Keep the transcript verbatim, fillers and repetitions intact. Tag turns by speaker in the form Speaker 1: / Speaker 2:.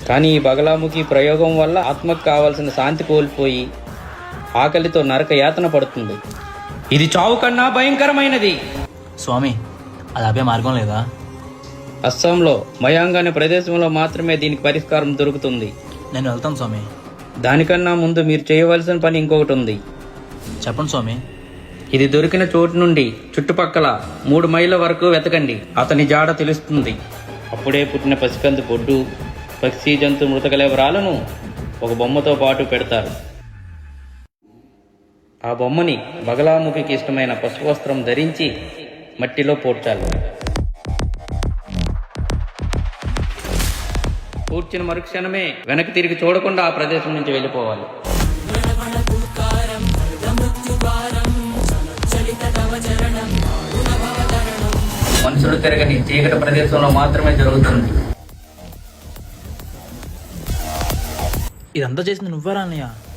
Speaker 1: కానీ ఈ బగలాముఖి ప్రయోగం వల్ల ఆత్మకు కావాల్సిన శాంతి కోల్పోయి ఆకలితో నరక యాతన పడుతుంది. ఇది చావు కన్నా భయంకరమైనది.
Speaker 2: స్వామి, అది ఆపే మార్గం లేదా?
Speaker 1: అస్సాంలో మయాంగ్ అనే ప్రదేశంలో మాత్రమే దీనికి పరిష్కారం దొరుకుతుంది.
Speaker 2: నేను వెళ్తాను స్వామి.
Speaker 1: దానికన్నా ముందు మీరు చేయవలసిన పని ఇంకొకటి ఉంది.
Speaker 2: చెప్పండి స్వామి.
Speaker 1: ఇది దొరికిన చోటు నుండి చుట్టుపక్కల మూడు మైళ్ళ వరకు వెతకండి. అతని జాడ తెలుస్తుంది. అప్పుడే పుట్టిన పసికందు బొడ్డు, పక్షి, జంతు మృతకలేవరాలను ఒక బొమ్మతో పాటు పెడతారు. ఆ బొమ్మని బగలాముఖికి ఇష్టమైన పసుపు వస్త్రం ధరించి మట్టిలో పూడ్చాలి. పూడ్చిన మరుక్షణమే వెనక్కి తిరిగి చూడకుండా ఆ ప్రదేశం నుంచి వెళ్ళిపోవాలి. మనుషులు తిరగని చీకటి ప్రదేశంలో మాత్రమే జరుగుతుంది.
Speaker 2: ఇదంతా చేసింది నువ్వెరా అన్నయ్య?